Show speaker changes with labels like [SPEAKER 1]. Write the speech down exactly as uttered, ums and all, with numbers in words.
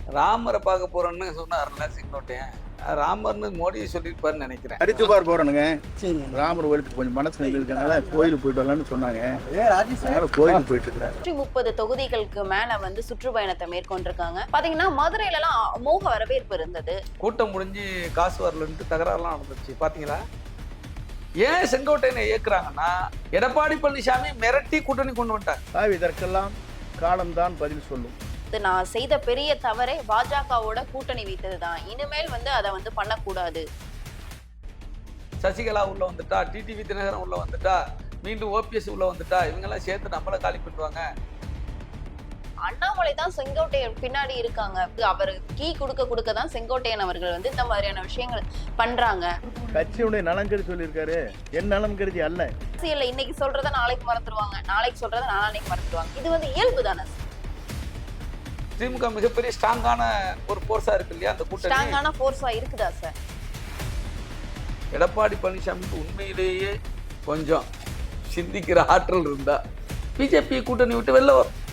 [SPEAKER 1] ராமரை பார்க்க போறோம்னு சொன்னார்ல செங்கோட்டையன், ராமர்னு மோடியை சொல்லியிருப்பாருன்னு நினைக்கிறேன்.
[SPEAKER 2] ஹரித்துவார் போறோனுங்க, ராமர் கோயிலுக்கு கொஞ்சம் மனசு இருக்கனால கோயிலுக்கு போயிட்டு வரலாம்னு சொன்னாங்க. கோயிலுக்கு போயிட்டு இருக்கிறேன்.
[SPEAKER 3] நூற்றி முப்பது தொகுதிகளுக்கு மேல வந்து சுற்றுப்பயணத்தை மேற்கொண்டிருக்காங்க. பாத்தீங்கன்னா மதுரையில எல்லாம் அமோக வரவேற்பு இருந்தது.
[SPEAKER 1] கூட்டம் முடிஞ்சு காசு வரலன்ட்டு தகராறுலாம் நடந்துச்சு பாத்தீங்களா? ஏன் செங்கோட்டையனை இயக்குறாங்கன்னா, எடப்பாடி பழனிசாமி மிரட்டி கூட்டணி கொண்டு வந்துட்டாங்க.
[SPEAKER 2] இதற்கெல்லாம் காலம்தான் பதில் சொல்லும்.
[SPEAKER 3] நான் செய்த பெரிய தவறை பாஜகவோட கூட்டணி வைத்ததுதான். இனிமேல் வந்து அதை வந்து பண்ணக்கூடாது.
[SPEAKER 1] சசிகலா உள்ள வந்துட்டா, டிடிவி தினகரன் உள்ள வந்துட்டா, மீண்டும் ஓபிஎஸ் உள்ள வந்துட்டா, இவங்கெல்லாம் சேர்த்து நம்மள காலி பண்ணுவாங்க.
[SPEAKER 3] அண்ணாமலை தான் செங்கோட்டையன் பின்னாடி இருக்காங்க. அவர் கீ கொடுக்க கொடுக்க தான் செங்கோட்டையன் அவர்கள் வந்து இந்த மாதிரியான விஷயங்கள் பண்றாங்க.
[SPEAKER 2] கட்சியுடைய நலன் கருதி சொல்லியிருக்காரு, என் நலம் கருதி அல்ல.
[SPEAKER 3] அரசியல்ல இன்னைக்கு சொல்றத நாளைக்கு மறந்துடுவாங்க, நாளைக்கு சொல்றத நாளைக்கு மறந்துடுவாங்க. இது வந்து இயல்பு தானே.
[SPEAKER 1] திமுக மிகப்பெரிய ஸ்ட்ராங்கான ஒரு போர்ஸா இருக்கு இல்லையா அந்த கூட்டணி?
[SPEAKER 3] ஸ்ட்ராங்கான போர்ஸா இருக்குதா சார்?
[SPEAKER 1] எடப்பாடி பழனிசாமிக்கு உண்மையிலேயே கொஞ்சம் சிந்திக்கிற ஆற்றல் இருந்தா பிஜேபி கூட்டணி விட்டு வெளில வரும்.